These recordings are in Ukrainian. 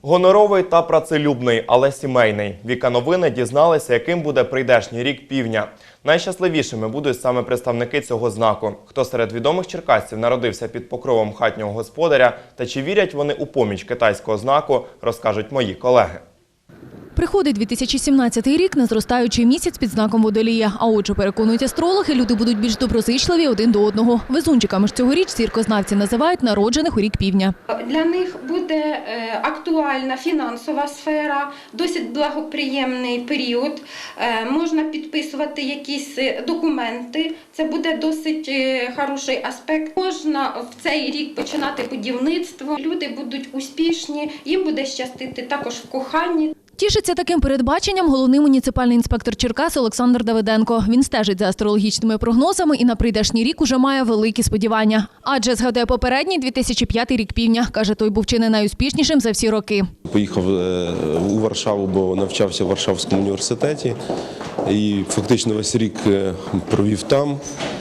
Гоноровий та працелюбний, але сімейний. Віка Новини дізналися, яким буде прийдешній рік півня. Найщасливішими будуть саме представники цього знаку. Хто серед відомих черкасців народився під покровом хатнього господаря та чи вірять вони у поміч китайського знаку, розкажуть мої колеги. Приходить 2017 рік на зростаючий місяць під знаком Водолія. А отже, переконують астрологи, люди будуть більш доброзичливі один до одного. Везунчиками ж цьогоріч зіркознавці називають народжених у рік півня. Для них буде актуальна фінансова сфера, досить благоприємний період. Можна підписувати якісь документи, це буде досить хороший аспект. Можна в цей рік починати будівництво, люди будуть успішні, їм буде щастити також в коханні. Тішиться таким передбаченням головний муніципальний інспектор Черкас Олександр Давиденко. Він стежить за астрологічними прогнозами і на прийдешній рік уже має великі сподівання. Адже згадує попередній 2005 рік півня. Каже, той був чи не найуспішнішим за всі роки. Поїхав у Варшаву, бо навчався в Варшавському університеті. І фактично весь рік провів там.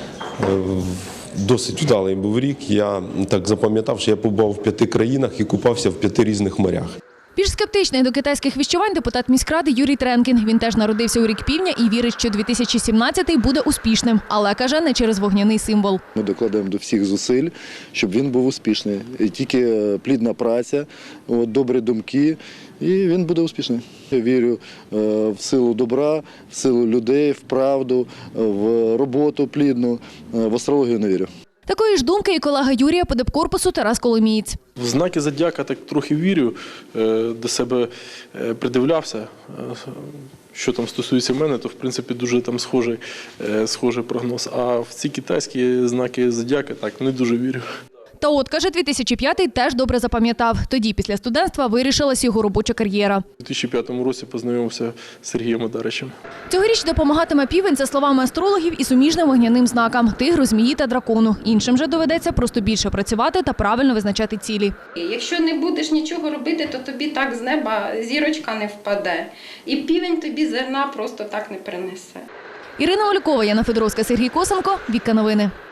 Досить вдалий був рік. Я так запам'ятав, що я побував в 5 країнах і купався в 5 різних морях. Більш скептичний до китайських віщувань депутат міськради Юрій Тренкін. Він теж народився у рік півня і вірить, що 2017-й буде успішним. Але, каже, не через вогняний символ. Ми докладаємо до всіх зусиль, щоб він був успішний. І тільки плідна праця, добрі думки, і він буде успішний. Я вірю в силу добра, в силу людей, в правду, в роботу плідну. В астрологію не вірю. Такої ж думки і колега Юрія по депкорпусу Тарас Коломієць. В знаки зодіака так трохи вірю, до себе придивлявся. Що там стосується мене, то в принципі дуже там схожий прогноз. А в ці китайські знаки зодіака так не дуже вірю. Та от, каже, 2005-й теж добре запам'ятав. Тоді після студентства вирішилась його робоча кар'єра. У 2005 році познайомився з Сергієм Одаричем. Цьогоріч допомагатиме півень, за словами астрологів, і суміжним вогняним знакам – тигру, змії та дракону. Іншим же доведеться просто більше працювати та правильно визначати цілі. Якщо не будеш нічого робити, то тобі так з неба зірочка не впаде. І півень тобі зерна просто так не принесе. Ірина Олькова, Яна Федоровська, Сергій Косенко. Віка Новини.